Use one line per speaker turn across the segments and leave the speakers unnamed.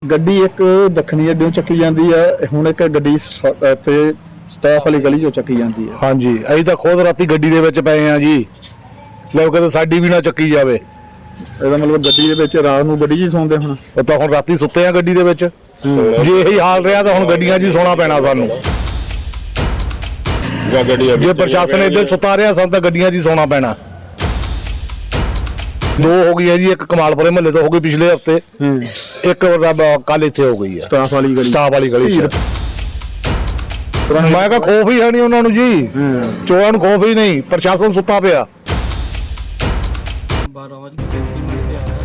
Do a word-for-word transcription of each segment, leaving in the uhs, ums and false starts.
ਗੱਡੀ ਇੱਕ ਦੱਖਣੀ ਅੱਡਿਓਂ ਚੱਕੀ ਜਾਂਦੀ ਹੈ, ਹੁਣ ਇੱਕ ਗੱਡੀ ਤੇ ਸਟਾਫ ਵਾਲੀ ਗਲੀ ਚੋਂ ਚੱਕੀ ਜਾਂਦੀ ਹੈ।
ਹਾਂਜੀ, ਅਸੀਂ ਤਾਂ ਖੁਦ ਰਾਤੀ ਗੱਡੀ ਦੇ ਵਿੱਚ ਪਏ ਆ ਜੀ, ਲੋਕ ਕਹਿੰਦੇ ਸਾਡੀ ਵੀ ਨਾ ਚੱਕੀ ਜਾਵੇ।
ਇਹਦਾ ਮਤਲਬ ਗੱਡੀ ਦੇ ਵਿੱਚ ਰਾਤ ਨੂੰ ਗੱਡੀ 'ਚ ਹੀ ਸੌਂਦੇ ਹੁਣ?
ਉਹ ਤਾਂ ਹੁਣ ਰਾਤੀ ਸੁੱਤੇ ਆ ਗੱਡੀ ਦੇ ਵਿੱਚ। ਜੇ ਇਹੀ ਹਾਲ ਰਿਹਾ ਤਾਂ ਹੁਣ ਗੱਡੀਆਂ 'ਚ ਹੀ ਸੌਣਾ ਪੈਣਾ ਸਾਨੂੰ। ਜੇ ਪ੍ਰਸ਼ਾਸਨ ਇੱਧਰ ਸੁਤਾ ਰਿਹਾ ਸਾਨੂੰ ਤਾਂ ਗੱਡੀਆਂ 'ਚ ਹੀ ਸੌਣਾ ਪੈਣਾ। ਦੋ ਹੋ ਗਈ ਹੈ ਜੀ, ਇੱਕ ਕਮਾਲਪੁਰੇ ਮਹੱਲੇ ਤੋਂ ਹੋ ਗਈ ਪਿਛਲੇ ਹਫਤੇ, ਇੱਕ ਕੱਲ ਇੱਥੇ ਹੋ ਗਈ ਹੈ
ਸਟਾਫ ਵਾਲੀ ਗਲੀ
ਸਟਾਫ ਵਾਲੀ ਗਲੀ 'ਚ। ਮੈਂ ਕਿਹਾ ਖੌਫ ਹੀ ਹੈ ਨਹੀਂ ਉਹਨਾਂ ਨੂੰ ਜੀ, ਚੋਰਾਂ ਨੂੰ ਖੌਫ ਹੀ ਨਹੀਂ, ਪ੍ਰਸ਼ਾਸਨ ਸੁੱਤਾ ਪਿਆ।
ਬਾਰਾਂ ਵਜੇ ਪੈਂਤੀ ਮਿੰਟ ਤੇ ਆਇਆ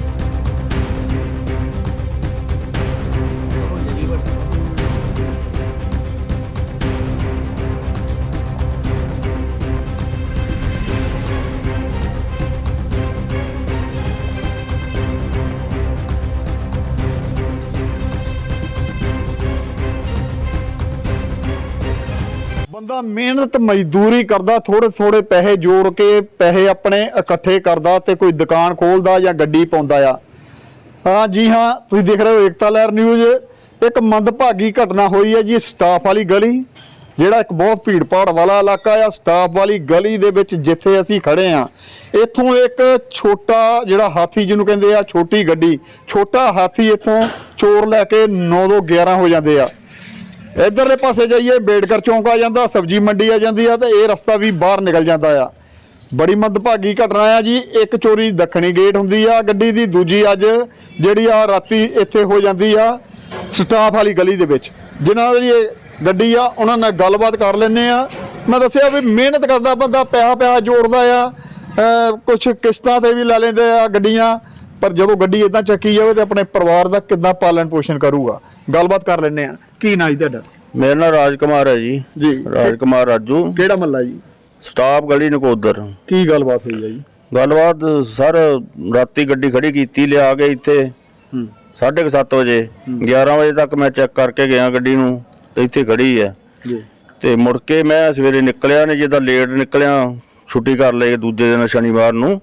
ਬੰਦਾ ਮਿਹਨਤ ਮਜ਼ਦੂਰੀ ਕਰਦਾ, ਥੋੜੇ ਥੋੜੇ ਪੈਸੇ ਜੋੜ ਕੇ ਪੈਸੇ ਆਪਣੇ ਇਕੱਠੇ ਕਰਦਾ ਤੇ ਕੋਈ ਦੁਕਾਨ ਖੋਲਦਾ ਜਾਂ ਗੱਡੀ ਪਾਉਂਦਾ ਆ। ਹਾਂ ਜੀ ਹਾਂ, ਤੁਸੀਂ ਦੇਖ ਰਹੇ ਹੋ ਏਕਤਾ ਲਹਿਰ ਨਿਊਜ਼। ਇੱਕ ਮੰਦਭਾਗੀ ਘਟਨਾ ਹੋਈ ਹੈ ਜੀ ਸਟਾਫ ਵਾਲੀ ਗਲੀ, ਜਿਹੜਾ ਇੱਕ ਬਹੁਤ ਭੀੜ ਭਾੜ ਵਾਲਾ ਇਲਾਕਾ ਆ। ਸਟਾਫ ਵਾਲੀ ਗਲੀ ਦੇ ਵਿੱਚ ਜਿੱਥੇ ਅਸੀਂ ਖੜੇ ਆ, ਇੱਥੋਂ ਇੱਕ ਛੋਟਾ ਜਿਹੜਾ ਹਾਥੀ ਜਿਹਨੂੰ ਕਹਿੰਦੇ ਆ, ਛੋਟੀ ਗੱਡੀ, ਛੋਟਾ ਹਾਥੀ ਇੱਥੋਂ ਚੋਰ ਲੈ ਕੇ ਨੌ ਦੋ ਗਿਆਰਾਂ ਹੋ ਜਾਂਦੇ ਆ। ਇੱਧਰਲੇ ਪਾਸੇ ਜਾਈਏ ਬੇੜਕਰ ਚੌਂਕ ਆ ਜਾਂਦਾ, ਸਬਜ਼ੀ ਮੰਡੀ ਆ ਜਾਂਦੀ ਆ, ਤੇ ਇਹ ਰਸਤਾ ਵੀ ਬਾਹਰ ਨਿਕਲ ਜਾਂਦਾ ਆ। ਬੜੀ ਮੰਦਭਾਗੀ ਘਟਨਾ ਆ ਜੀ। ਇੱਕ ਚੋਰੀ ਦੱਖਣੀ ਗੇਟ ਹੁੰਦੀ ਆ ਗੱਡੀ ਦੀ, ਦੂਜੀ ਅੱਜ ਜਿਹੜੀ ਆ ਰਾਤੀ ਇੱਥੇ ਹੋ ਜਾਂਦੀ ਆ ਸਟਾਫ ਵਾਲੀ ਗਲੀ ਦੇ ਵਿੱਚ। ਜਿਨ੍ਹਾਂ ਦੀ ਇਹ ਗੱਡੀ ਆ ਉਹਨਾਂ ਨਾਲ ਗੱਲਬਾਤ ਕਰ ਲੈਂਦੇ ਆ। ਮੈਂ ਦੱਸਿਆ ਵੀ ਮਿਹਨਤ ਕਰਦਾ ਬੰਦਾ, ਪੈਸਾ ਪੈਸਾ ਜੋੜਦਾ ਆ, ਕੁਛ ਕਿਸ਼ਤਾਂ ਤੇ ਵੀ ਲੈ ਲੈਂਦੇ ਆ ਗੱਡੀਆਂ, ਪਰ ਜਦੋਂ ਗੱਡੀ ਇਦਾਂ ਚੱਕੀ ਜਾਵੇ ਤੇ ਆਪਣੇ ਪਰਿਵਾਰ ਦਾ ਕਿੱਦਾਂ ਪਾਲਣ ਪੋਸ਼ਣ ਕਰੂਗਾ। ਗੱਲਬਾਤ ਕਰ ਲੈਂਦੇ ਆ। ਕੀ ਨਾਂ ਜੀ ਤੁਹਾਡਾ?
ਮੇਰਾ ਨਾਮ ਰਾਜ ਕੁਮਾਰ ਹੈ ਜੀ।
ਜੀ,
ਰਾਜ ਕੁਮਾਰ ਰਾਜੂ।
ਕਿਹੜਾ ਮਹੱਲਾ ਜੀ?
ਸਟਾਫ ਗਲੀ ਨਕੋਦਰ।
ਕੀ ਗੱਲਬਾਤ ਹੋਈ ਹੈ ਜੀ?
ਗੱਲਬਾਤ ਸਰ, ਰਾਤੀ ਗੱਡੀ ਖੜੀ ਕੀਤੀ ਲਿਆ ਕੇ ਇੱਥੇ ਸਾਢੇ ਕੁ ਸੱਤ ਵਜੇ, ਗਿਆਰਾਂ ਵਜੇ ਤੱਕ ਮੈਂ ਚੈੱਕ ਕਰਕੇ ਗਿਆ ਗੱਡੀ ਨੂੰ, ਤੇ ਇੱਥੇ ਖੜੀ ਹੈ
ਜੀ। ਤੇ
ਮੁੜ ਕੇ ਮੈਂ ਸਵੇਰੇ ਨਿਕਲਿਆ ਨੇ, ਜਿੱਦਾਂ ਲੇਟ ਨਿਕਲਿਆ, ਛੁੱਟੀ ਕਰ ਲਈ ਦੂਜੇ ਦਿਨ ਸ਼ਨੀਵਾਰ ਨੂੰ,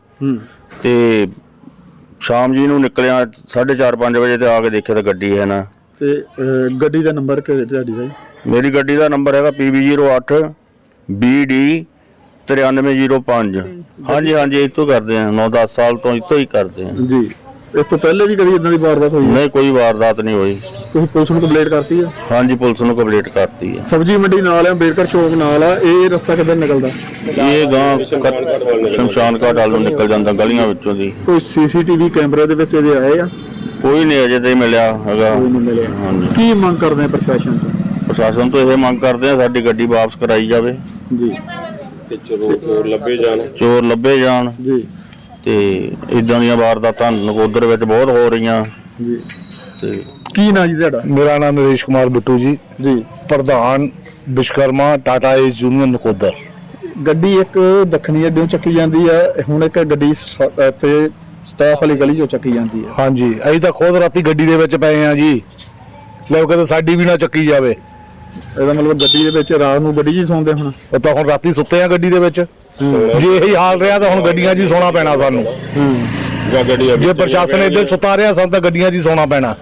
ਤੇ ਸ਼ਾਮ ਜੀ ਨੂੰ ਨਿਕਲਿਆ ਸਾਢੇ ਚਾਰ ਪੰਜ ਵਜੇ, ਤੇ ਆ ਕੇ ਦੇਖਿਆ ਤਾਂ ਗੱਡੀ ਹੈ ਨਾ।
ਤੇ ਗੱਡੀ ਦਾ ਨੰਬਰ ਕਿਹੜਾ ਤੁਹਾਡੀ ਦਾ ਜੀ?
ਮੇਰੀ ਗੱਡੀ ਦਾ ਨੰਬਰ ਹੈਗਾ ਪੀ ਬੀ ਜ਼ੀਰੋ ਅੱਠ ਬੀ ਡੀ ਤਰਿਆਨਵੇਂ ਜ਼ੀਰੋ ਪੰਜ। ਹਾਂਜੀ ਹਾਂਜੀ, ਇੱਥੋਂ ਕਰਦੇ ਆ, ਨੌ ਦਸ ਸਾਲ ਤੋਂ ਇੱਥੋਂ ਹੀ ਕਰਦੇ ਆ
ਜੀ। ਇਸ ਤੋਂ ਪਹਿਲੇ ਵੀ ਕਦੀ ਇਦਾਂ ਦੀ ਵਾਰਦਾਤ ਹੋਈ?
ਨਹੀਂ, ਕੋਈ ਵਾਰਦਾਤ ਨਹੀਂ ਹੋਈ।
ਤੁਸੀਂ ਪੁਲਿਸ ਨੂੰ ਕੰਪਲੇਂਟ ਕਰਤੀ ਹੈ?
ਹਾਂਜੀ, ਪੁਲਿਸ ਨੂੰ ਕੰਪਲੀਟ ਕਰਤੀ ਹੈ।
ਸਬਜ਼ੀ ਮੰਡੀ ਨਾਲ ਆ, ਬੇੜਕਰ ਚੌਕ ਨਾਲ ਆ, ਇਹ ਰਸਤਾ ਕਿੱਧਰ ਨਿਕਲਦਾ?
ਇਹ ਗਾਂ ਸ਼ਮਸ਼ਾਨ ਘਾਟ ਵੱਲ ਨੂੰ ਨਿਕਲ ਜਾਂਦਾ ਗਲੀਆਂ ਵਿੱਚੋਂ ਦੀ।
ਕੋਈ ਸੀਸੀਟੀਵੀ ਕੈਮਰੇ ਦੇ ਵਿੱਚ ਇਹਦੇ ਆਏ ਆ?
ਕੋਈ ਨਹੀਂ ਅਜੇ ਤੇ ਮਿਲਿਆ ਹੈਗਾ।
ਕੋਈ ਨਹੀਂ ਮਿਲਿਆ।
ਹਾਂਜੀ,
ਕੀ ਮੰਗ ਕਰਦੇ ਆ ਪ੍ਰਸ਼ਾਸਨ ਤੋਂ?
ਪ੍ਰਸ਼ਾਸਨ ਤੋਂ ਇਹ ਮੰਗ ਕਰਦੇ ਆ ਸਾਡੀ ਗੱਡੀ ਵਾਪਸ ਕਰਾਈ ਜਾਵੇ
ਜੀ,
ਤੇ ਚੋਰ ਲੱਭੇ ਜਾਣ ਚੋਰ ਲੱਭੇ ਜਾਣ
ਜੀ।
ਤੇ ਇਦਾਂ ਦੀਆਂ ਵਾਰਦਾਤਾਂ ਨਕੋਦਰ ਵਿੱਚ ਬਹੁਤ ਹੋ ਰਹੀਆਂ
ਜੀ।
ਤੇ
ਕੀ ਨਾਂ ਜੀ ਤੁਹਾਡਾ?
ਮੇਰਾ ਨਾਮ ਨਰੇਸ਼ ਕੁਮਾਰ ਬਿੱਟੂ ਜੀ
ਜੀ।
ਪ੍ਰਧਾਨ ਵਿਸ਼ਕਰਮਾ ਟਾਟਾ ਏਸ ਯੂਨੀਅਨ ਨਕੋਦਰ।
ਗੱਡੀ ਇੱਕ ਦੱਖਣੀ ਅੱਡਿਓਂ ਚੱਕੀ ਜਾਂਦੀ ਆ, ਹੁਣ ਇੱਕ ਗੱਡੀ ਤੇ ਸਟਾਫ ਵਾਲੀ ਗਲੀ ਚੋਂ ਚੱਕੀ ਜਾਂਦੀ ਆ।
ਹਾਂਜੀ, ਅਸੀਂ ਤਾਂ ਖੁਦ ਰਾਤੀ ਗੱਡੀ ਦੇ ਵਿੱਚ ਪਏ ਆ ਜੀ, ਲੋਕ ਕਹਿੰਦੇ ਸਾਡੀ ਵੀ ਨਾ ਚੱਕੀ ਜਾਵੇ।
ਇਹਦਾ ਮਤਲਬ ਗੱਡੀ ਦੇ ਵਿੱਚ ਰਾਤ ਨੂੰ ਗੱਡੀ 'ਚ ਹੀ ਸੌਂਦੇ ਹੁਣ?
ਉਹ ਤਾਂ ਹੁਣ ਰਾਤੀ ਸੁੱਤੇ ਆ ਗੱਡੀ ਦੇ ਵਿੱਚ। ਜੇ ਇਹੀ ਹਾਲ ਰਿਹਾ ਤਾਂ ਹੁਣ ਗੱਡੀਆਂ 'ਚ ਹੀ ਸੌਣਾ ਪੈਣਾ ਸਾਨੂੰ। ਜੇ ਪ੍ਰਸ਼ਾਸਨ ਇੱਧਰ ਸੁਤਾ ਰਿਹਾ ਸਾਨੂੰ ਤਾਂ ਗੱਡੀਆਂ 'ਚ ਹੀ ਸੌਣਾ ਪੈਣਾ।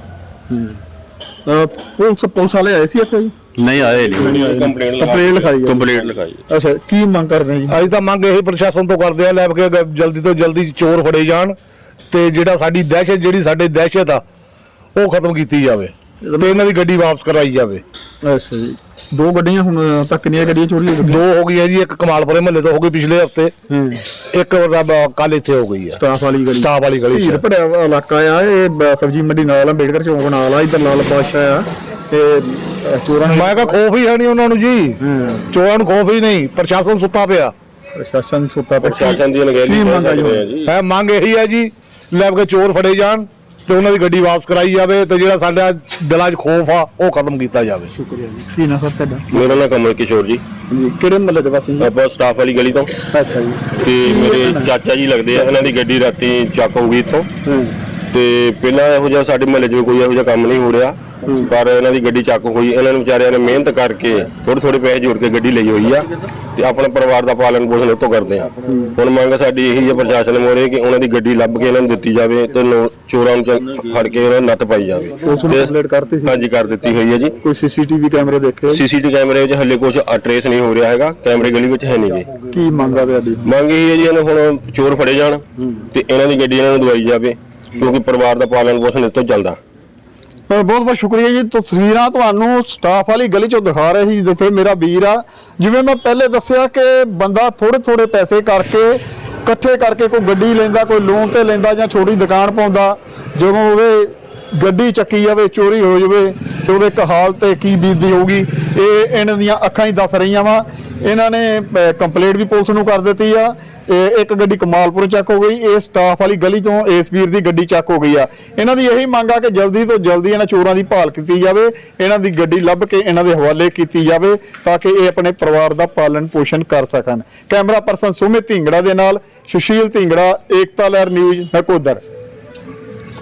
ਪੁਲਿਸ ਪੁਲਿਸ ਵਾਲੇ ਆਏ ਸੀ ਇੱਥੇ ਜੀ?
ਨਹੀਂ ਆਏ ਨਹੀਂ।
ਕੰਪਲੇਂਟ ਲਿਖਾਈ?
ਕੰਪਲੀਟ ਲਿਖਾਈ।
ਅੱਛਾ, ਕੀ ਮੰਗ ਕਰਦੇ ਆ ਜੀ?
ਅਸੀਂ ਤਾਂ ਮੰਗ ਇਹੀ ਪ੍ਰਸ਼ਾਸਨ ਤੋਂ ਕਰਦੇ ਆ, ਲੈ ਕੇ ਜਲਦੀ ਤੋਂ ਜਲਦੀ ਚੋਰ ਫੜੇ ਜਾਣ, ਤੇ ਜਿਹੜਾ ਸਾਡੀ ਦਹਿਸ਼ਤ ਜਿਹੜੀ ਸਾਡੇ ਦਹਿਸ਼ਤ ਆ ਉਹ ਖਤਮ ਕੀਤੀ ਜਾਵੇ, ਤੇ ਇਹਨਾਂ ਦੀ ਗੱਡੀ ਵਾਪਸ ਕਰਾਈ ਜਾਵੇ।
ਅੱਛਾ ਜੀ। ਦੋ ਗੱਡੀਆਂ ਹੁਣ ਤੱਕ ਕਿੰਨੀਆਂ ਗੱਡੀਆਂ ਚੋਰੀ ਹੋ ਗਈਆਂ?
ਦੋ ਹੋ ਗਈਆਂ ਜੀ, ਇੱਕ ਕਮਾਲਪੁਰੇ ਮਹੱਲੇ ਤੋਂ ਹੋ ਗਈ ਪਿਛਲੇ ਹਫਤੇ, ਇੱਕ ਕੱਲ ਇੱਥੇ ਹੋ ਗਈ ਆ
ਸਟਾਫ ਵਾਲੀ ਗਲੀ।
ਸਟਾਫ ਵਾਲੀ ਗਲੀ
ਭੀੜ ਭੜਿਆ ਇਲਾਕਾ ਆ ਇਹ, ਸਬਜ਼ੀ ਮੰਡੀ ਨਾਲ ਆ, ਬੇੜਕਰ ਚੌਂਕ ਨਾਲ ਆ, ਇੱਧਰ ਲਾਲ ਬਾਦਸ਼ਾਹ ਆ, ਤੇ ਚੋਰਾਂ ਨੂੰ
ਮੈਂ ਕਿਹਾ ਖੌਫ ਹੀ ਹੈ ਨਹੀਂ ਉਹਨਾਂ ਨੂੰ ਜੀ, ਚੋਰਾਂ ਨੂੰ ਖੌਫ ਹੀ ਨਹੀਂ, ਪ੍ਰਸ਼ਾਸਨ ਸੁੱਤਾ ਪਿਆ।
ਪ੍ਰਸ਼ਾਸਨ ਸੁੱਤਾ ਪਿਆ।
ਪ੍ਰਸ਼ਾਸਨ ਦੀ ਅਣਗਹਿਲੀ
ਹੈ, ਮੰਗ ਇਹੀ ਹੈ ਜੀ, ਲੈ ਕੇ ਚੋਰ ਫੜੇ ਜਾਣ ਤੇ ਉਹਨਾਂ ਦੀ ਗੱਡੀ ਵਾਪਸ ਕਰਾਈ ਜਾਵੇ, ਤੇ ਜਿਹੜਾ ਸਾਡਾ ਦਿਲਾਂ 'ਚ ਖੌਫ ਆ ਉਹ ਖਤਮ ਕੀਤਾ ਜਾਵੇ।
ਸ਼ੁਕਰੀਆ ਜੀ। ਕੀ ਨਾਮ ਸਰ ਤੁਹਾਡਾ?
ਮੇਰਾ ਨਾਮ ਕਮਲ ਕਿਸ਼ੋਰ ਜੀ।
ਜੀ, ਕਿਹੜੇ ਮਹੱਲੇ ਦੇ ਵਾਸੀ?
ਆਪਾਂ ਸਟਾਫ ਵਾਲੀ ਗਲੀ ਤੋਂ।
ਅੱਛਾ ਜੀ।
ਤੇ ਮੇਰੇ ਚਾਚਾ ਜੀ ਲੱਗਦੇ ਆ, ਇਹਨਾਂ ਦੀ ਗੱਡੀ ਰਾਤੀ ਚੱਕ ਹੋ ਗਈ ਇੱਥੋਂ, ਤੇ ਪਹਿਲਾਂ ਇਹੋ ਜਿਹਾ ਸਾਡੇ ਮਹੱਲੇ 'ਚ ਕੋਈ ਇਹੋ ਜਿਹਾ ਕੰਮ ਨਹੀਂ ਹੋ ਰਿਹਾ, ਪਰ ਇਹਨਾਂ ਦੀ ਗੱਡੀ ਚੱਕ ਹੋਈ। ਇਹਨਾਂ ਨੂੰ ਵਿਚਾਰਿਆਂ ਨੇ ਮਿਹਨਤ ਕਰਕੇ ਥੋੜੇ ਥੋੜੇ ਪੈਸੇ ਜੋੜ ਕੇ ਗੱਡੀ ਲਈ ਹੋਈ ਆ,
ਤੇ ਆਪਣੇ ਪਰਿਵਾਰ ਦਾ ਪਾਲਣ ਪੋਸ਼ਣ ਉਤੋਂ ਕਰਦੇ ਆ। ਹੁਣ ਮੰਗ ਸਾਡੀ ਇਹੀ ਹੈ ਪ੍ਰਸ਼ਾਸਨ ਮੋਰੇ ਕਿ ਉਹਨਾਂ ਦੀ ਗੱਡੀ ਲੱਭ ਕੇ ਇਹਨਾਂ ਨੂੰ ਦਿੱਤੀ ਜਾਵੇ ਤੇ ਨੋ- ਚੋਰਾਂ ਨੂੰ ਚ- ਫੜ ਕੇ ਉਹਨਾਂ ਨੂੰ ਨੱਥ ਪਾਈ ਜਾਵੇ।
ਪੁਲਿਸ ਨੂੰ ਕੰਪਲੇਂਟ ਕਰਤੀ ਸੀ?
ਹਾਂਜੀ ਕਰ ਦਿੱਤੀ ਹੋਈ ਹੈ ਜੀ।
ਕੋਈ ਸੀਸੀਟੀਵੀ ਕੈਮਰੇ ਦੇਖੇ?
ਸੀਸੀਟੀਵੀ ਕੈਮਰੇ 'ਚ ਹੱਲੇ ਕੁਝ ਟਰੇਸ ਨਹੀਂ ਹੋ ਰਿਹਾ ਹੈਗਾ, ਕੈਮਰੇ ਗਲੀ ਵਿੱਚ ਹੈ ਨਹੀਂਗੇ।
ਕੀ ਮੰਗ ਆ ਤੁਹਾਡੀ?
ਮੰਗ ਇਹ ਹੈ ਜੀ ਇਹਨਾਂ ਹੁਣ ਚੋਰ ਫੜੇ ਜਾਣ ਤੇ ਇਹਨਾਂ ਦੀ ਗੱਡੀ ਇਹਨਾਂ ਨੂੰ ਦਵਾਈ ਜਾਵੇ, ਕਿਉਂਕਿ ਪਰਿਵਾਰ ਦਾ ਪਾਲਣ ਪੋਸ਼ਣ ਇਸ ਤੋਂ ਚੱਲਦਾ।
ਬਹੁਤ ਬਹੁਤ ਸ਼ੁਕਰੀਆ ਜੀ। ਤਸਵੀਰਾਂ ਤੁਹਾਨੂੰ ਸਟਾਫ ਵਾਲੀ ਗਲੀ ਚੋਂ ਦਿਖਾ ਰਹੇ ਸੀ ਜਿੱਥੇ ਮੇਰਾ ਵੀਰ ਆ। ਜਿਵੇਂ ਮੈਂ ਪਹਿਲੇ ਦੱਸਿਆ ਕਿ ਬੰਦਾ ਥੋੜੇ ਥੋੜੇ ਪੈਸੇ ਕਰਕੇ ਇਕੱਠੇ ਕਰਕੇ ਕੋਈ ਗੱਡੀ ਲੈਂਦਾ, ਕੋਈ ਲੋਨ ਤੇ ਲੈਂਦਾ ਜਾਂ ਛੋਟੀ ਦੁਕਾਨ ਪਾਉਂਦਾ। ਜਦੋਂ ਉਹਦੇ ਗੱਡੀ ਚੱਕੀ ਜਾਵੇ, ਚੋਰੀ ਹੋ ਜਾਵੇ ਤੇ ਉਹਦੇ ਇੱਕ ਹਾਲ ਤੇ ਕੀ ਬੀਤਦੀ ਹੋਊਗੀ ਇਹ ਇਹਨਾਂ ਦੀਆਂ ਅੱਖਾਂ ਹੀ ਦੱਸ ਰਹੀਆਂ ਵਾ। ਇਹਨਾਂ ਨੇ ਕੰਪਲੇਂਟ ਵੀ ਪੁਲਿਸ ਨੂੰ ਕਰ ਦਿੱਤੀ ਆ। ਇਹ ਇੱਕ ਗੱਡੀ ਕਮਾਲਪੁਰ ਚੱਕ ਹੋ ਗਈ, ਇਹ ਸਟਾਫ ਵਾਲੀ ਗਲੀ ਤੋਂ ਇਸ ਵੀਰ ਦੀ ਗੱਡੀ ਚੱਕ ਹੋ ਗਈ ਆ। ਇਹਨਾਂ ਦੀ ਇਹੀ ਮੰਗ ਆ ਕਿ ਜਲਦੀ ਤੋਂ ਜਲਦੀ ਇਹਨਾਂ ਚੋਰਾਂ ਦੀ ਭਾਲ ਕੀਤੀ ਜਾਵੇ, ਇਹਨਾਂ ਦੀ ਗੱਡੀ ਲੱਭ ਕੇ ਇਹਨਾਂ ਦੇ ਹਵਾਲੇ ਕੀਤੀ ਜਾਵੇ ਤਾਂ ਕਿ ਇਹ ਆਪਣੇ ਪਰਿਵਾਰ ਦਾ ਪਾਲਣ ਪੋਸ਼ਣ ਕਰ ਸਕਣ। ਕੈਮਰਾ ਪਰਸਨ ਸੁਮਿਤ ਢਿੰਗੜਾ ਦੇ ਨਾਲ ਸੁਸ਼ੀਲ ਢਿੰਗੜਾ, ਏਕਤਾ ਲਹਿਰ ਨਿਊਜ਼, ਨਕੋਦਰ।